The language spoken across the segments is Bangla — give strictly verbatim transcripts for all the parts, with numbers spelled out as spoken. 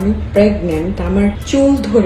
আমি প্রেগন্যান্ট, আমার চুল ধরে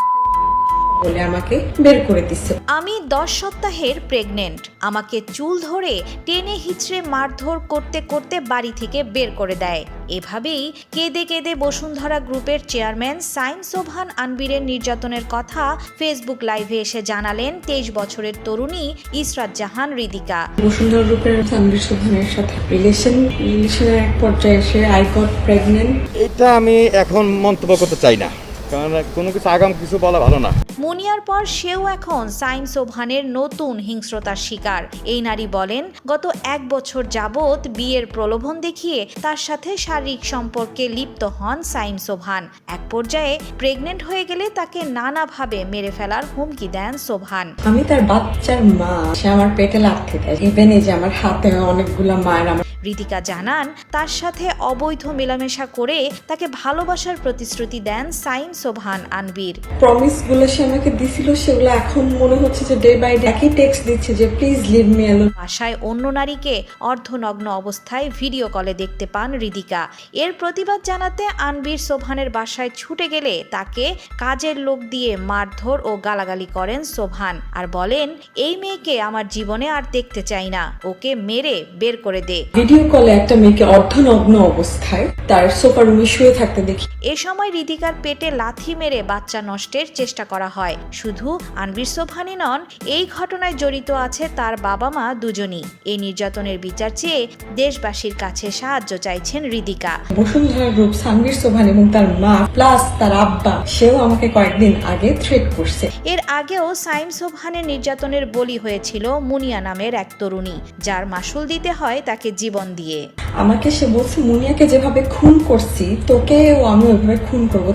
বলে আমাকে বের করে দিচ্ছে। আমি দশ সপ্তাহের প্রেগনেন্ট, আমাকে চুল ধরে টেনে হিচড়ে মারধর করতে করতে বাড়ি থেকে বের করে দেয়। এভাবেই কেঁদে কেঁদে বসুন্ধরা গ্রুপের চেয়ারম্যান সাইম সোবহান আনবীরের নির্যাতনের কথা ফেসবুক লাইভে এসে জানালেন তেইশ বছরের তরুণী ইসরাত জাহান হৃদিকা। বসুন্ধরা গ্রুপের আনবীর সোবহানের সাথে রিলেশন রিলেশনের এক পর্যায়ে এসে আই গট প্রেগন্যান্ট। এটা আমি এখন মন্তব্য করতে চাই না, কারণ কোনো কিছু আগাম কিছু বলা ভালো না। মুনিয়ার পর সেও এখন সাইম সোবহানের নতুন হিংস্রতার শিকার। এই নারী বলেন, গত এক বছর যাবৎ বিয়ের প্রলোভন দেখিয়ে তার সাথে শারীরিক সম্পর্কে লিপ্ত হন সাইম সোবহান। এক পর্যায়ে প্রেগনেন্ট হয়ে গেলে তাকে নানাভাবে মেরে ফেলার হুমকি দেন সোবহান। আমি তার বাচ্চার মা, সে আমার পেটে লাগতে দেয়। ইভেন এই যে আমার হাতে অনেকগুলো মায়ের। আমার হৃদিকা জানান, তার সাথে অবৈধ মেলামেশা করে তাকে ভালোবাসার প্রতিশ্রুতি দেন সাইম সোবহান আনবীর। প্রমিস গুলো সে আমাকে দিছিল, সেগুলো এখন মনে হচ্ছে যে ডে বাই ডে একই টেক্সট দিচ্ছে যে প্লিজ লিভ মি অ্যালোন। বাসায় অন্য নারীকে অর্ধনগ্ন অবস্থায় ভিডিও কলে দেখতে পান হৃদিকা। এর প্রতিবাদ জানাতে আনবীর সোবহানের বাসায় ছুটে গেলে তাকে কাজের লোক দিয়ে মারধর ও গালাগালি করেন সোবহান, আর বলেন, এই মেয়েকে আমার জীবনে আর দেখতে চাই না, ওকে মেরে বের করে দে। ভিডিও কলে একটা মেয়েকে অর্ধনগ্ন অবস্থায় তার সোফা রুমে শুয়ে থাকতে দেখি। এ সময় হৃদিকার পেটে লাথি মেরে বাচ্চা নষ্টের চেষ্টা করা হয়। শুধু আনবীর সোবহানই নন, এই ঘটনায় জড়িত আছে তার বাবা মা দুজনই। এই নির্যাতনের বিচার চেয়ে দেশবাসীর কাছে সাহায্য চাইছেন হৃদিকা। বসুন্ধরা গ্রুপ, সানভীর সোবহান এবং তার মা প্লাস তার আব্বা, সেও আমাকে কয়েকদিন আগে থ্রেট করছে। এর আগেও সাইম সোবহানের নির্যাতনের বলি হয়েছিল মুনিয়া নামের এক তরুণী, যার মাসুল দিতে হয় তাকে জীবন দিয়ে। আমাকে সে বলছে, মুনিয়াকে যেভাবে খুন করছি তোকেও আমি ওইভাবে খুন করবো।